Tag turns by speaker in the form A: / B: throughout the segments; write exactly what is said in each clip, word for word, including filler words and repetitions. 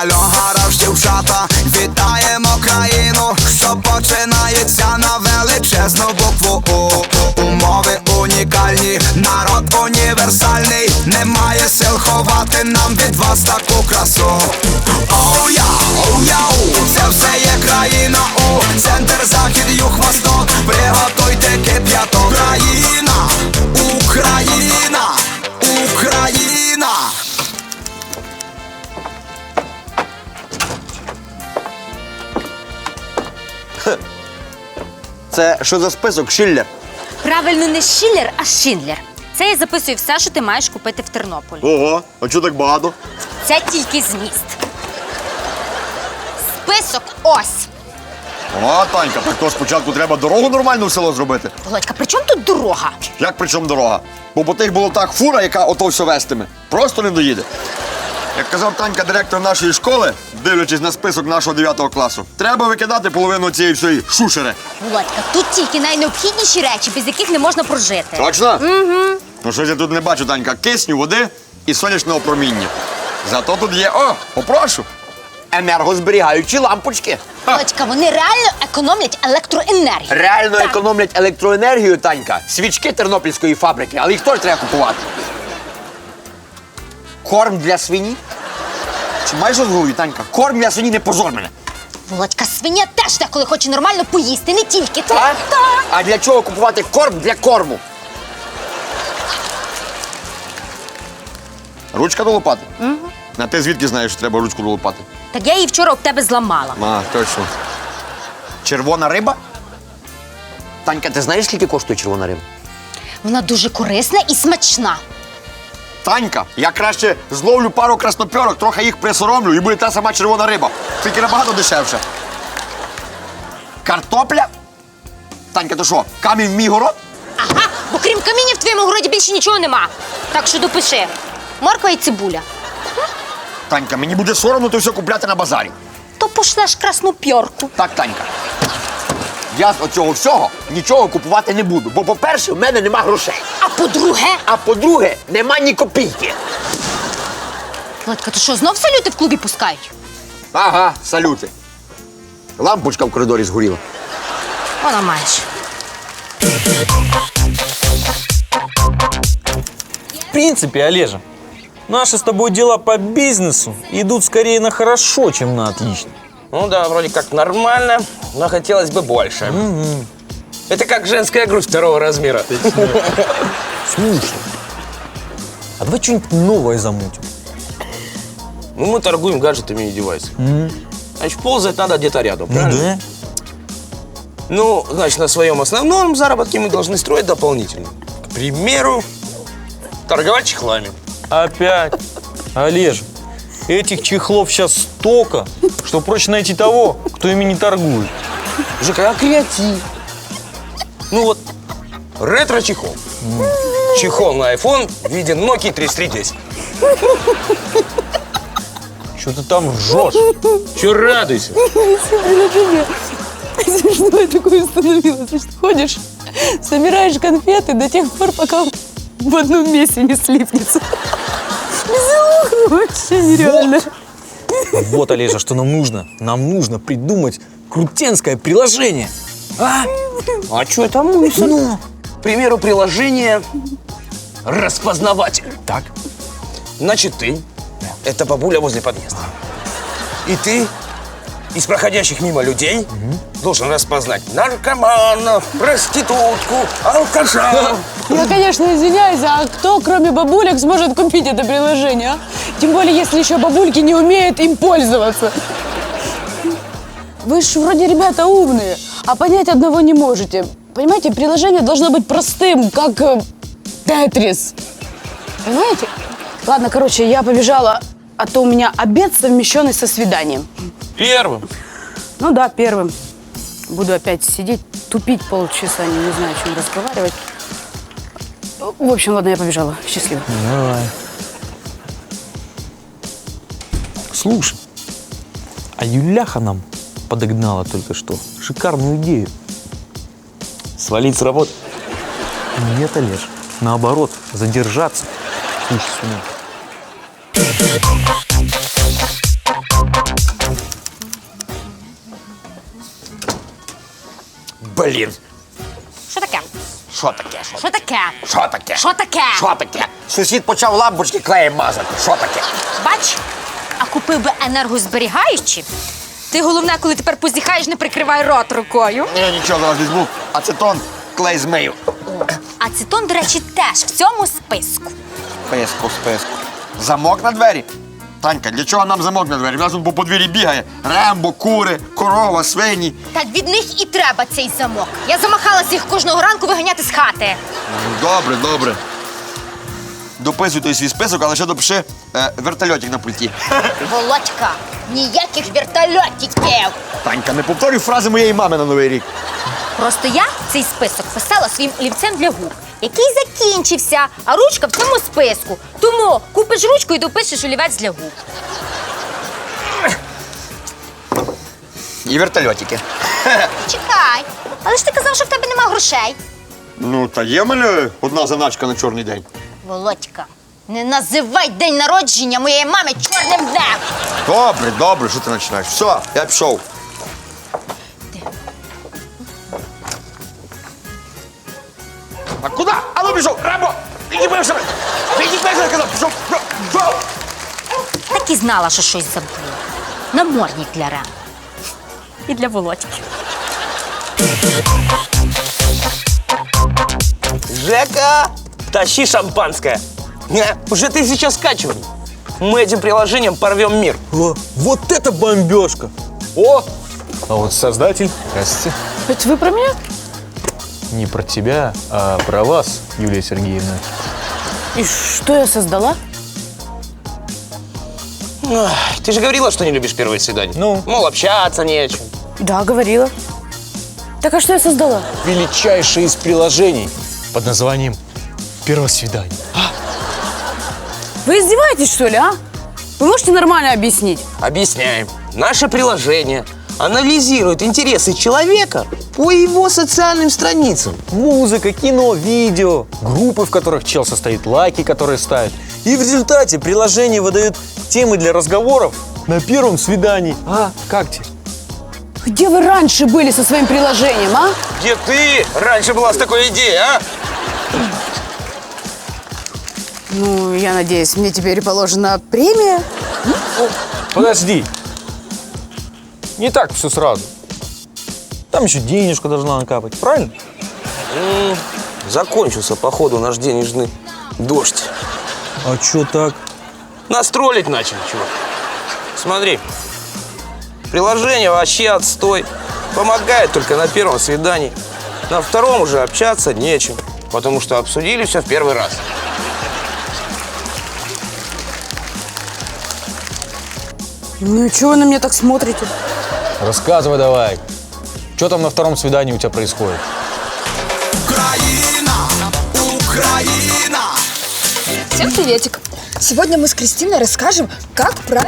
A: Альо, гараж, дівчата, вітаємо країну, що починається на величезну букву У. Умови унікальні, народ універсальний, немає сил ховати нам від вас таку красу. Оу я, оу яу, це все є країна У. Центр, захід, юг, восток, приготуйте кип'яток. Країна, Україна, Україна.
B: Це що за список, Шиллер?
C: Правильно, не Шиллер, а Шиндлер. Це я записую все, що ти маєш купити в Тернополі.
B: Ого, а чого так багато?
C: Це тільки зміст. Список ось.
B: О, Танька, так то спочатку треба дорогу нормальну в село зробити.
C: Володька, при чому тут дорога?
B: Як при чому дорога? Бо по тих болотах фура, яка ото все вестиме, просто не доїде. Як казав Танька, директор нашої школи, дивлячись на список нашого дев'ятого класу, треба викидати половину цієї всієї шушери.
C: Володька, тут тільки найнеобхідніші речі, без яких не можна прожити.
B: Точно? Угу. Ну щось я тут не бачу, Танька, кисню, води і сонячного проміння. Зато тут є, о, попрошу, енергозберігаючі лампочки.
C: Володька, вони реально економлять електроенергію.
B: Реально
C: Так.
B: економлять електроенергію, Танька. Свічки тернопільської фабрики, але їх теж треба купувати. Корм для свині? Чи маєш розговою, Танька? Корм для свині, не позор мене.
C: Володька, свиня теж деколи хоче нормально поїсти, не тільки ти.
B: Так?
C: Так.
B: А для чого купувати корм для корму? Ручка до лопати? Угу. А ти звідки знаєш, що треба ручку до лопати?
C: Так я її вчора об тебе зламала.
B: А, точно. Червона риба? Танька, ти знаєш, скільки коштує червона риба?
C: Вона дуже корисна і смачна.
B: Танька, я краще зловлю пару краснопьорок, трохи їх присоромлю і буде та сама червона риба. Тільки набагато дешевше. Картопля? Танька, то що, камінь в мій город?
C: Ага, бо крім каміння в твоєму городі більше нічого нема. Так що допиши. Морква і цибуля.
B: Танька, мені буде соромно то все купляти на базарі.
C: То пошлеш красну пьорку.
B: Так, Танька. Я з оцього всього нічого купувати не буду, бо, по-перше, в мене нема грошей.
C: А по-друге,
B: А по-друге, нема ні копійки.
C: Володька, то що, знов салюти в клубі пускають?
B: Ага, салюти. Лампочка в коридорі згоріла.
C: Вона маєш.
D: В принципе, Олежа, наши с тобой дела по бизнесу идут скорее на хорошо, чем на отлично.
E: Ну да, вроде как нормально, но хотелось бы больше.
D: Угу.
E: Это как женская грудь второго размера.
D: Слушай, а давай что-нибудь новое замутим.
E: Ну, мы торгуем гаджетами и девайсами. Значит, ползать надо где-то рядом,
D: Ну
E: правильно?
D: да.
E: Ну, значит, на своем основном заработке мы должны строить дополнительно. К примеру, торговать чехлами.
D: Опять. Олежа, этих чехлов сейчас столько, что проще найти того, кто ими не торгует.
E: Жека, а креатив? Ну вот, ретро-чехол. Чехол на iPhone в виде Nokia тридцать три десять.
D: Что ты там ржешь?
E: Чё радуйся?
F: Смешное такое становилось. Значит, ходишь, собираешь конфеты до тех пор, пока в одном месте не слипнется. Веселуха вообще нереально.
D: Вот, Олежа, что нам нужно? Нам нужно придумать крутенское приложение. А?
E: А что это мысль?
D: Ну?
E: К примеру, приложение «Распознаватель».
D: Так.
E: Значит, ты – это бабуля возле подъезда. И ты из проходящих мимо людей угу. должен распознать наркоманов, проститутку, алкаша.
F: Я, конечно, извиняюсь, а кто, кроме бабулек, сможет купить это приложение, а? Тем более, если еще бабульки не умеют им пользоваться. Вы же вроде ребята умные, а понять одного не можете. Понимаете, приложение должно быть простым, как э, Тетрис. Понимаете? Ладно, короче, я побежала, а то у меня обед, совмещенный со свиданием.
E: Первым.
F: Ну да, первым. Буду опять сидеть, тупить полчаса, не, не знаю, о чем разговаривать. В общем, ладно, я побежала. Счастливо.
D: Давай. Слушай, а Юляха нам подогнала только что шикарную идею.
E: Свалить с работы?
D: Нет, Олеж, наоборот, задержаться. Слушай сюда.
E: Блін.
C: Що таке?
E: Що таке? Що
C: Що таке?
E: Що таке?
C: Що таке?
E: Що таке? Сусід почав лампочки клеєм мазати. Що таке?
C: Бач, а купив би енергозберігаючі. Ти головне, коли тепер позіхаєш, не прикривай рот рукою.
B: Я нічого зараз візьму. Ацетон, клей змию.
C: Ацетон, до речі, теж в цьому списку.
B: Списку, списку. Замок на двері? Танька, для чого нам замок на двері? В нас тут по подвір'ї бігає. Рембо, кури, корова, свині.
C: Так від них і треба цей замок. Я замахалася їх кожного ранку виганяти з хати.
B: Добре, добре. Дописуй той свій список, але ще допиши е, вертольотик на пульті.
C: Володька, ніяких вертольотиків.
B: Танька, не повторюй фрази моєї мами на Новий рік.
C: Просто я цей список писала своїм олівцем для губ, який закінчився, а ручка в цьому списку. Тому купиш ручку і допишеш олівець для губ.
B: І вертольотики.
C: Чекай, але ж ти казав, що в тебе нема грошей.
B: Ну, та є в мене одна заначка на чорний день.
C: Володька, не називай день народження моєї мами чорним днем.
B: Добре, добре, що ти починаєш? Все, я пішов. А куди? А ну пішов! Рембо! Відібився! Відібився, казав! Пішов! Пішов!
C: Так і знала, що щось забула. Намордник для Рем. І для Володьки.
E: Жека, тащи шампанское. Не, уже тысяча скачиваний. Мы этим приложением порвем мир.
D: О, вот это бомбежка! О, а вот создатель, здравствуйте.
F: Это вы про меня?
D: Не про тебя, а про вас, Юлия Сергеевна.
F: И что я создала?
E: Ах, ты же говорила, что не любишь первые свидания.
D: Ну?
E: Мол, общаться не о чем.
F: Да, говорила. Так а что я создала?
D: Величайшее из приложений под названием «Первое свидание».
F: Вы издеваетесь, что ли, а? Вы можете нормально объяснить?
E: Объясняем. Наше приложение анализирует интересы человека по его социальным страницам.
D: Музыка, кино, видео, группы, в которых чел состоит, лайки, которые ставит. И в результате приложение выдает темы для разговоров на первом свидании. А, как тебе?
F: Где вы раньше были со своим приложением, а?
E: Где ты раньше была с такой идеей, а?
F: Ну, я надеюсь, мне теперь положена премия.
D: Подожди. Не так все сразу. Там еще денежка должна накапать, правильно?
E: М, Закончился, походу, наш денежный дождь.
D: А чё так?
E: Нас троллить начали, чувак. Смотри. Приложение вообще отстой. Помогает только на первом свидании. На втором уже общаться нечем. Потому что обсудили все в первый раз.
F: Ну, чего вы на меня так смотрите?
D: Рассказывай давай. Что там на втором свидании у тебя происходит?
A: Україна, Україна.
G: Всем приветик! Сегодня мы с Кристиной расскажем, как, прав-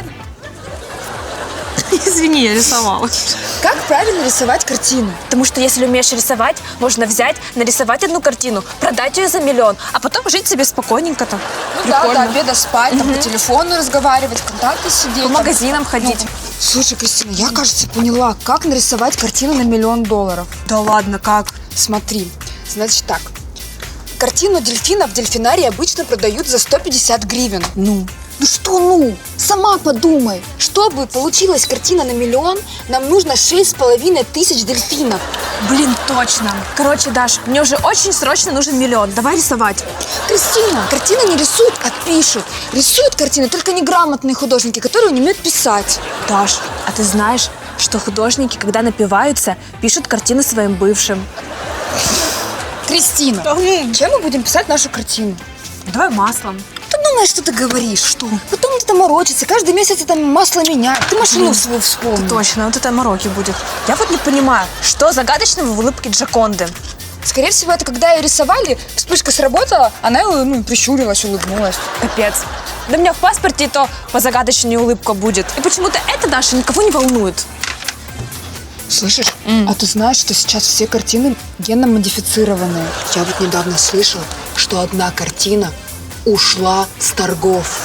H: Извини, я рисовала.
G: как правильно рисовать картину.
H: Потому что если умеешь рисовать, можно взять, нарисовать одну картину, продать ее за миллион, а потом жить себе спокойненько там.
G: Ну да,
H: Прикольно.
G: до обеда спать, там, по телефону разговаривать, в контакты сидеть.
H: По
G: там.
H: магазинам ходить.
G: Ну, слушай, Кристина, я, кажется, поняла, как нарисовать картину на миллион долларов.
H: Да ладно, как?
G: Смотри, значит так. Картину дельфина в дельфинарии обычно продают за сто пятьдесят гривен. Ну? Ну что ну? Сама подумай. Чтобы получилась картина на миллион, нам нужно шесть с половиной тысяч дельфинов.
H: Блин, точно. Короче, Даш, мне уже очень срочно нужен миллион. Давай рисовать.
G: Кристина, картины не рисуют, а пишут. Рисуют картины только неграмотные художники, которые не умеют писать.
H: Даш, а ты знаешь, что художники, когда напиваются, пишут картины своим бывшим?
G: Кристина, чем мы будем писать нашу картину?
H: Давай маслом.
G: Ты думаешь, что ты говоришь? Что? Потом это морочится, каждый месяц это масло меняет. Ты машину свою вспомни.
H: Точно, вот это мороки будет. Я вот не понимаю, что загадочного в улыбке Джаконды?
G: Скорее всего, это когда ее рисовали, вспышка сработала, она ну, прищурилась, улыбнулась.
H: Капец. Да у меня в паспорте и то по загадочной улыбка будет. И почему-то это, Даша, никого не волнует.
G: Слышишь? А ты знаешь, что сейчас все картины генно-модифицированные? Я вот недавно слышала, что одна картина ушла с торгов.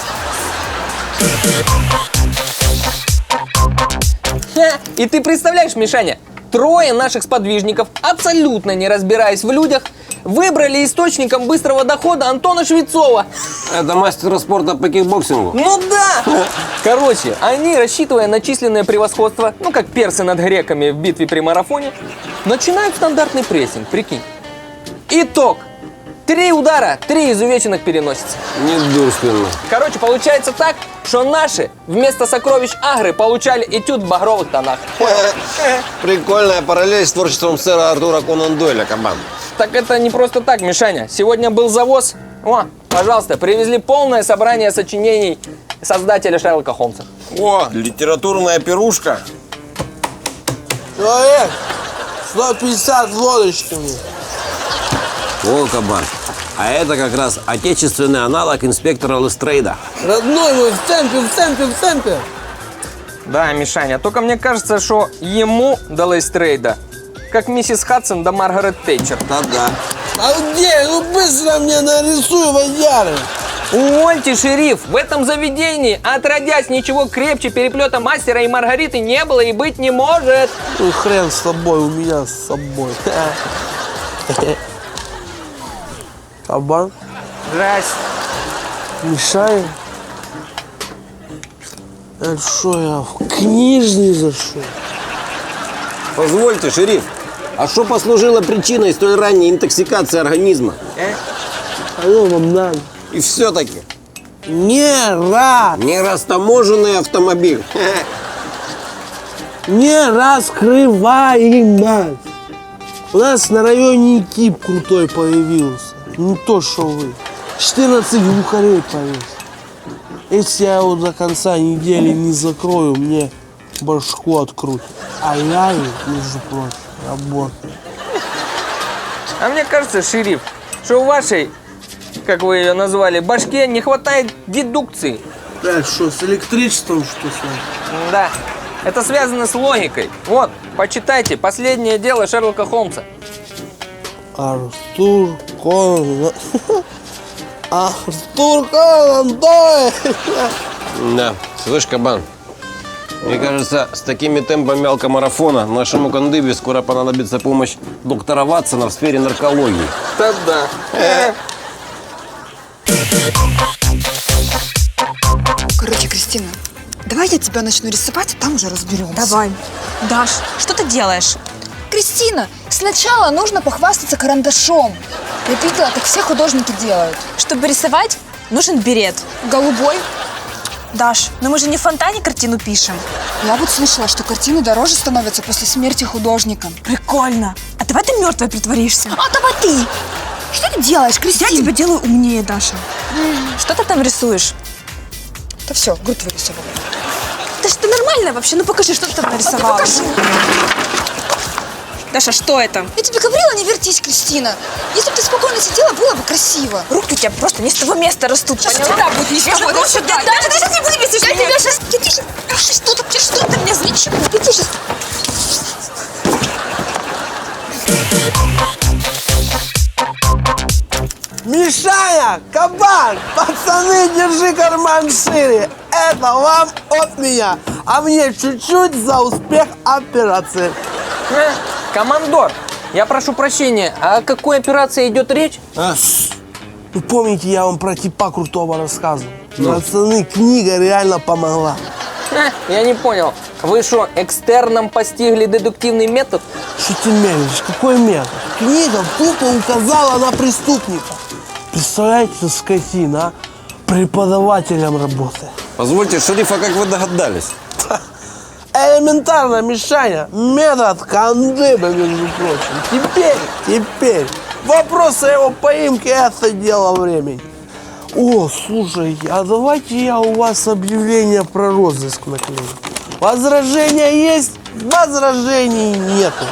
I: И ты представляешь, Мишаня, трое наших сподвижников, абсолютно не разбираясь в людях, выбрали источником быстрого дохода Антона Швецова.
J: Это мастер спорта по кикбоксингу?
I: Ну да! Короче, они, рассчитывая на численное превосходство, ну как персы над греками в битве при марафоне, начинают стандартный прессинг, прикинь. Итог. Три удара, три изувеченных переносицы.
J: Недурственно.
I: Короче, получается так, что наши вместо сокровищ Агры получали этюд в багровых тонах.
J: Прикольная параллель с творчеством сэра Артура Конан Дойля, кабан.
I: Так это не просто так, Мишаня. Сегодня был завоз. О, пожалуйста, привезли полное собрание сочинений создателя Шерлока Холмса.
J: О, литературная пирушка.
K: Человек, сто пятьдесят лодочками.
J: О, кабан. А это как раз отечественный аналог инспектора Лестрейда.
K: Родной мой, в темпе, в темпе, в темпе.
I: Да, Мишаня, только мне кажется, что ему до Лестрейда, как миссис Хадсон до Маргарет Тэтчер.
J: Да-да.
K: А где? Ну быстро мне нарисуй водяры.
I: Увольте, шериф, в этом заведении, отродясь, ничего крепче переплета мастера и Маргариты не было и быть не может.
K: Ну хрен с тобой, у меня с собой. Кабан,
I: Здрасте.
K: Мишаня. Это что, я в книжный зашел?
J: Позвольте, шериф, а что послужило причиной столь ранней интоксикации организма?
K: Алло, вам надо.
J: И все-таки
K: Не рад,
J: нерастаможенный автомобиль.
K: не раскрываемо. У нас на районе Кип крутой появился. Не то, что вы. четырнадцать глухарей повесил. Если я его до конца недели не закрою, мне башку открутят. А я им, между прочим, работаю.
I: А мне кажется, шериф, что у вашей, как вы ее назвали, башке не хватает дедукции.
K: Так что, с электричеством что с вами?
I: Да, это связано с логикой. Вот, почитайте «Последнее дело Шерлока Холмса».
K: Артур Конан... Артур Конан Дойль!
J: Да, слышь, кабан, мне кажется, с такими темпами алкомарафона нашему кандыбе скоро понадобится помощь доктора Ватсона в сфере наркологии.
I: Да-да.
G: Короче, Кристина, давай я тебя начну рисовать, а там уже разберемся.
H: Давай. Даш, что ты делаешь?
G: Кристина, сначала нужно похвастаться карандашом. Я видела, так все художники делают.
H: Чтобы рисовать, нужен берет.
G: Голубой.
H: Даш, но мы же не в фонтане картину пишем.
G: Я вот слышала, что картины дороже становятся после смерти художника.
H: Прикольно. А давай ты мертвой притворишься.
G: А давай ты! Что ты делаешь, Кристина?
H: Я тебя делаю умнее, Даша. Что ты там рисуешь?
G: Да все, грудь вырисовала.
H: Даш, ты нормальная вообще? Ну покажи, что ты там нарисовала.
G: А ты покажи.
H: Даша, что это?
G: Я тебе говорила, не вертись, Кристина. Если бы ты спокойно сидела, было бы красиво.
H: Руки у тебя просто не с того места растут,
G: Сейчас
H: поняла?
G: всегда будет не с того,
H: Я
G: да
H: же
G: сюда.
H: Даша, ты сейчас не будешь бесить
G: Я
H: меня.
G: тебя сейчас... Иди сейчас... Ах, что ты, что ты мне злишь? Иди сейчас...
K: Мишаня, кабан, пацаны, держи карман шире. Это вам от меня, а мне чуть-чуть за успех операции.
I: Э, командор, я прошу прощения, а о какой операции идет речь?
K: А, вы помните, я вам про типа крутого рассказывал? Пацаны, книга реально помогла.
I: Э, я не понял. Вы что, экстерном постигли дедуктивный метод?
K: Что ты мелешь? Какой метод? Книга тупо указала на преступника. Представляете, скотина, а? Преподавателем работает.
J: Позвольте, шериф, а как вы догадались?
K: Элементарно, Мишаня, метод кандыба, между прочим. Теперь, теперь, вопрос о его поимке – это дело времени. О, слушайте, а давайте я у вас объявление про розыск наклею. Возражения есть, возражений нету.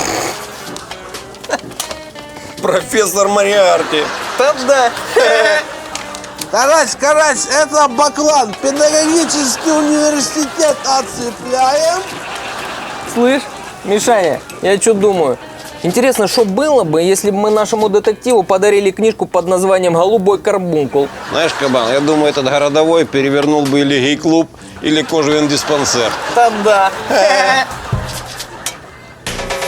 J: Профессор Мариарти.
I: Да-да.
K: Карась, карась, это Баклан, педагогический университет отцепляем.
I: Слышь, Мишаня, я что думаю? Интересно, что было бы, если бы мы нашему детективу подарили книжку под названием «Голубой карбункул».
J: Знаешь, кабан, я думаю, этот городовой перевернул бы или гей-клуб, или кожевен диспансер.
I: Да-да.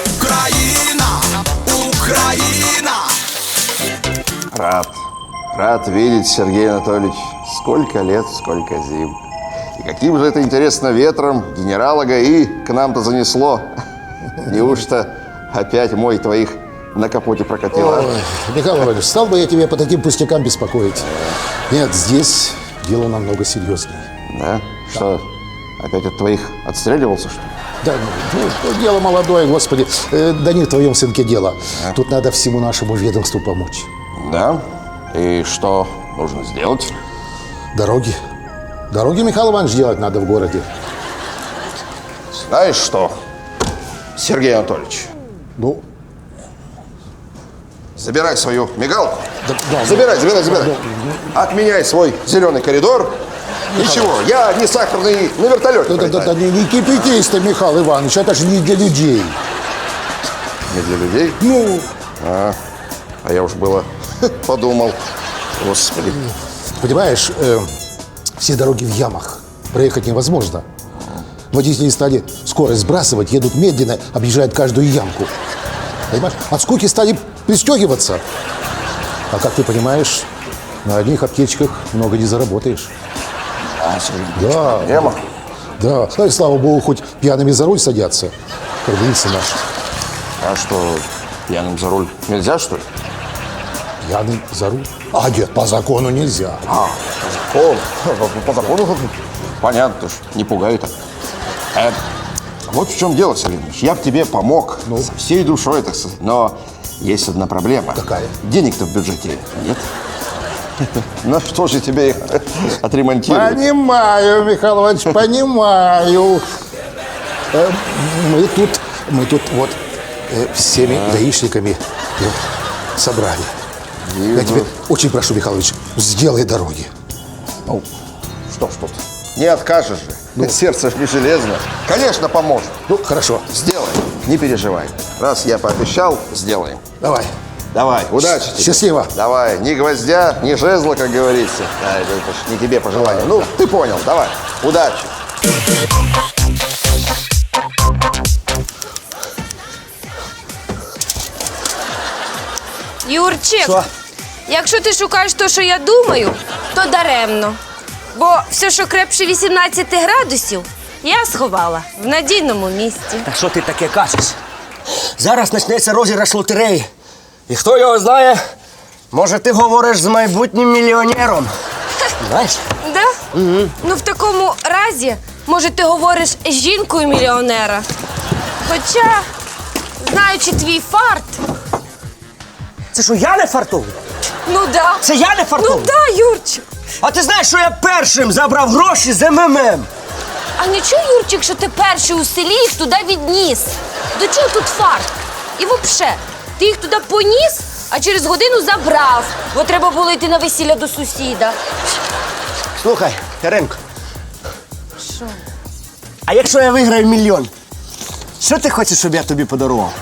A: Україна.
L: Рад. Рад видеть, Сергей Анатольевич. Сколько лет, сколько зим. И каким же это, интересно, ветром генерала ГАИ к нам-то занесло? Неужто опять мой твоих на капоте прокатило?
M: Ой, Михаил Иванович, стал бы я тебе по таким пустякам беспокоить. Нет, здесь дело намного серьезнее.
L: Да? Что, опять от твоих отстреливался, что ли?
M: Да, ну, дело молодое, господи. Э, да не в твоем сынке дело.
L: А?
M: Тут надо всему нашему ведомству помочь.
L: Да? И что нужно сделать?
M: Дороги. Дороги, Михаил Иванович, делать надо в городе.
L: Знаешь что, Сергей Анатольевич?
M: Ну?
L: Забирай свою мигалку.
M: Да, да,
L: забирай,
M: да,
L: забирай, забирай.
M: да,
L: Отменяй свой зеленый коридор. Ничего, я не сахарный на вертолете.
M: Да, да, да, да, не, не кипятись ты, Михаил Иванович, это же не для людей.
L: Не для людей?
M: Ну?
L: А, а я уж было подумал. Господи.
M: Понимаешь, э, все дороги в ямах. Проехать невозможно. Водители стали скорость сбрасывать, едут медленно, объезжают каждую ямку. Понимаешь? От скуки стали пристегиваться. А как ты понимаешь, на одних аптечках много не заработаешь.
L: А, Сергей,
M: да,
L: проблема?
M: Да, ну и слава богу, хоть пьяными за руль садятся, как говорится наши.
L: А что, пьяным за руль нельзя, что ли?
M: Пьяным за руль? А, нет, по закону нельзя.
L: А, по закону? По, по закону? Понятно, ж, не пугай так. Э, вот в чем дело, Сергей Ильич. Я бы тебе помог ну? со всей душой, так сказать. Но есть одна проблема.
M: Какая?
L: Денег-то в бюджете нет. Ну что же тебе их отремонтировать?
M: Понимаю, Михаил Иванович, понимаю. Э, Мы тут, мы тут вот э, всеми гаишниками э, собрали. Я тебе очень прошу, Михаил Иванович, сделай дороги.
L: Ну, что ж тут, не откажешь же. Ну, сердце ж не железно. Конечно, поможет.
M: Ну, хорошо.
L: Сделаем, не переживай. Раз я пообещал, сделаем.
M: Давай.
L: Давай, удачи тебе.
M: Счастливо.
L: Давай, ни гвоздя, ни жезла, как говорится. Да, это, это ж не тебе пожелание. Ну, ты понял, давай, удачи.
C: Юрчик,
E: Що?
C: якщо ти шукаєш те, що я думаю, то даремно. Бо все, що крепше вісімнадцяти градусів, я сховала в надійному місці.
E: Та що ти таке кажеш? Зараз почнеться розіграш лотереї. І хто його знає, може ти говориш з майбутнім мільйонером. Знаєш?
C: Да? Угу. Ну, в такому разі, може, ти говориш з жінкою мільйонера. Хоча, знаючи твій фарт...
E: Це що, я не фартовий?
C: Ну, да.
E: Це я не фартовий?
C: Ну, да, Юрчик.
E: А ти знаєш, що я першим забрав гроші з ем ем ем?
C: А не чуй, Юрчик, що ти перший у селі їх туди відніс? До чого тут фарт? І взагалі, ти їх туди поніс, а через годину забрав, бо треба було йти на весілля до сусіда.
E: Слухай, Яринко,
C: Що?
E: а якщо я виграю мільйон, що ти хочеш, щоб я тобі подарував?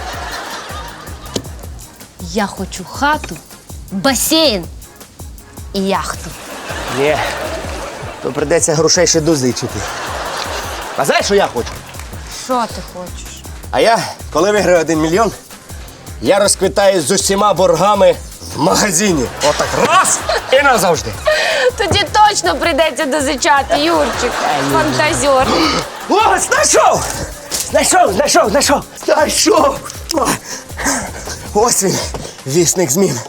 C: Я хочу хату, басейн і яхту.
E: Ні, то прийдеться грошей ще дозичити. А знаєш, що я хочу?
C: Що ти хочеш?
E: А я, коли виграю один мільйон, я розквитаюсь з усіма боргами в магазині. Отак раз і назавжди.
C: Тоді точно прийдеться дозичати, Юрчик. Фантазер.
E: О, знайшов! Знайшов, знайшов, знайшов! Знайшов! Ось він, вісник змін.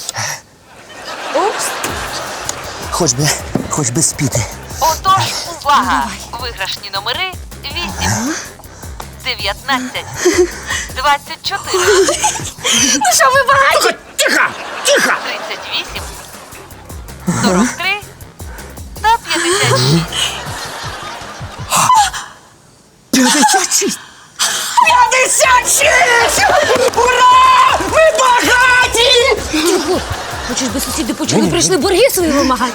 C: Упс.
E: Хоч би, хоч би спіти.
N: Отож, увага! Виграшні номери вісім, дев'ятнадцять, двадцять чотири.
C: Ну що, ви багаті?
E: Тихо! Тихо!
N: тридцять вісім, сорок три та п'ятдесят шість.
E: п'ятдесят шість! п'ятдесят шість! Ура! Ми багаті!
C: Тихо. Хочеш би сусіди почули, прийшли борги свої вимагати?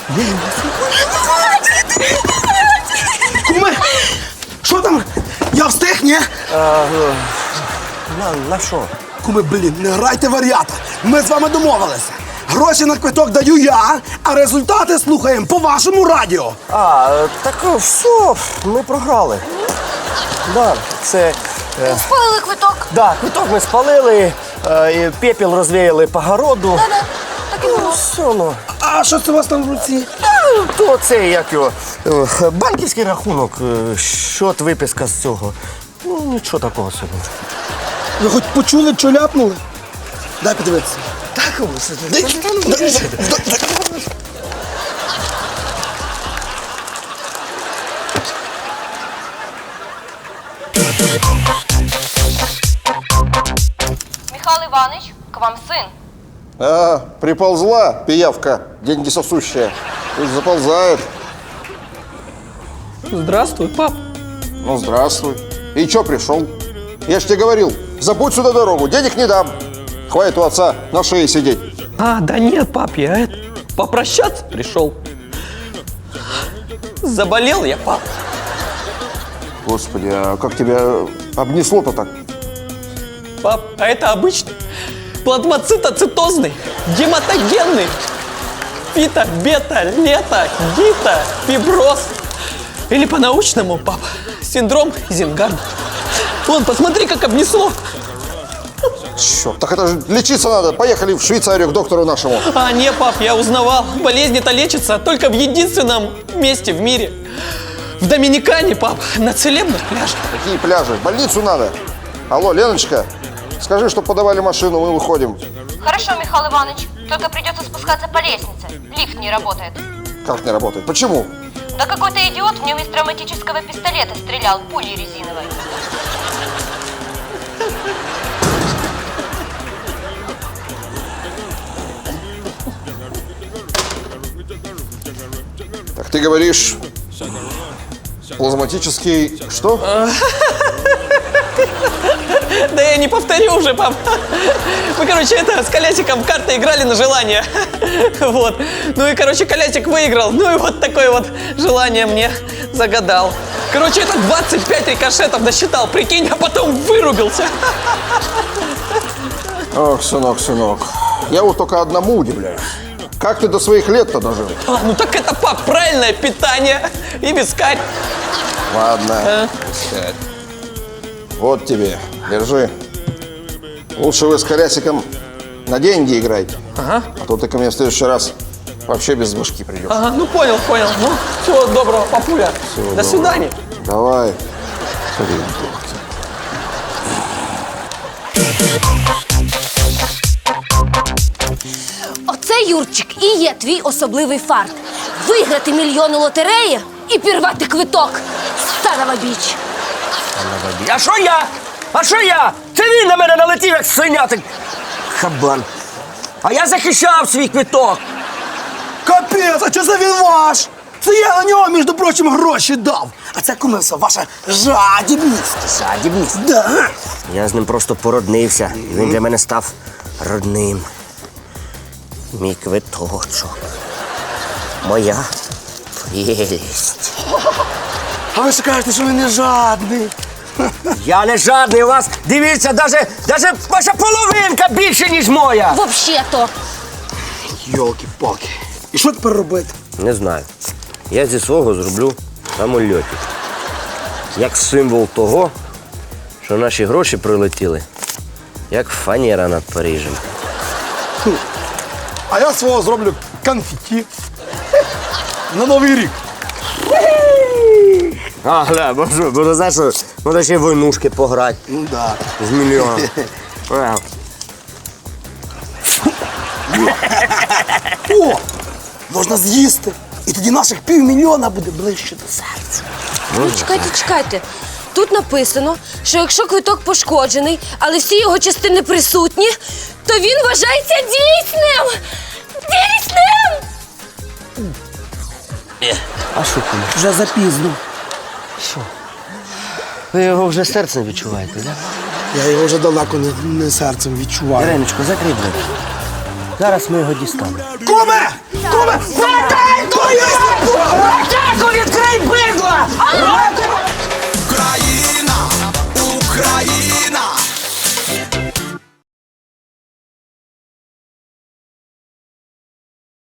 K: Куме, що там? Я встиг, ні?
E: На, на що?
K: Куме, блін, не грайте варіата. Ми з вами домовилися. Гроші на квиток даю я, а результати слухаємо по вашому радіо.
E: А, так все, ми програли. Да, це... Е,
C: Спалили квиток.
E: да, квиток ми спалили. е, і пепел розвіяли по городу.
C: Да-да, так і було.
E: Все, ну.
K: А що це у вас там в руці?
E: А, то це, як його, е, банківський рахунок, е, щот, виписка з цього. Ну, нічого такого собі.
K: Ви хоч почули, що ляпнули? Дай подивитися. Так,
C: Михайло Іванович, к вам син.
L: А, приползла пиявка, деньги сосущая. Пусть заползает.
I: Здравствуй, пап.
L: Ну, здравствуй. И чё пришел? Я ж тебе говорил, забудь сюда дорогу, денег не дам. Хватит у отца на шее сидеть.
I: А, да нет, пап, я это, попрощаться пришел. Заболел я, пап.
L: Господи, а как тебя обнесло-то так?
I: Пап, а это обычный плазмоцитоцитозный, гематогенный, фито, бета, лето, гита, фиброз. Или по-научному, пап, синдром Изенгарда. Вон, посмотри, как обнесло.
L: Черт, так это же лечиться надо. Поехали в Швейцарию к доктору нашему.
I: А, не, пап, я узнавал. Болезни-то лечатся только в единственном месте в мире. В Доминикане, пап, на целебных пляжах.
L: Какие пляжи? В больницу надо. Алло, Леночка, скажи, что подавали машину, мы выходим.
C: Хорошо, Михаил Иванович, только придется спускаться по лестнице. Лифт не работает.
L: Как не работает? Почему?
C: Да какой-то идиот в нем из травматического пистолета стрелял пулей резиновой.
L: Так ты говоришь, плазматический что?
I: Да я не повторю уже, пап. Мы, короче, это, с Колясиком в карты играли на желание. Вот. Ну и, короче, Колясик выиграл. Ну и вот такое вот желание мне загадал. Короче, это двадцать пять рикошетов насчитал, прикинь, а потом вырубился.
L: Ох, сынок, сынок, я вот только одному удивляюсь. Как ты до своих лет-то дожил?
I: А, ну так это, пап, правильное питание и вискарь.
L: Ладно.
I: А?
L: Вот тебе, держи. Лучше вы с Колясиком на деньги играйте.
I: Ага.
L: А то ты ко мне в следующий раз вообще без башки придешь.
I: Ага, ну понял, понял. Ну, всего доброго, папуля.
L: Всего
I: До
L: доброго.
I: свидания.
L: Давай.
C: Оце, Юрчик, і є твій особливий фарт. Виграти мільйон у лотереї і пірвати квиток. Старова біч.
E: А що я? А що я? Це він на мене налетів, як свинятик. Хабан. А я захищав свій квиток.
K: Капець, а що за він ваш? Це я на нього, між прочим, гроші дав. А це, кумився, ваша жадібність.
E: Жадібність?
K: Да.
E: Я з ним просто породнився, і він для мене став родним. Мій квиточок. Моя прелість.
K: А ви ж кажете, що ви не жадний.
E: Я не жадний у вас. Дивіться, даже, даже ваша половинка більше, ніж моя.
C: Взагалі-то.
K: Йолки-палки. І що тепер робити?
E: Не знаю. Я зі свого зроблю самольотик. Як символ того, що наші гроші прилетіли, як фанера над Парижем.
K: А я свого зроблю конфеті. На Новий рік.
E: А, гля, бо що, бо знаєш, що можна ще в войнушки пограти.
K: Ну да.
E: З мільйоном. А.
K: О, можна з'їсти. І тоді наших півмільйона буде ближче до серця.
C: Ну, чекайте, чекайте. Тут написано, що якщо квиток пошкоджений, але всі його частини присутні, то він вважається дійсним! Дійсним!
E: А що ти?
K: Вже запізно.
E: Ви його вже серцем відчуваєте, так? Да?
K: Я його вже далеко не, не серцем відчуваю.
E: Іриночко, закрий двері. Зараз ми його дістанемо.
K: Куме! Куме! Задай твою! Атаку відкрий, бидла!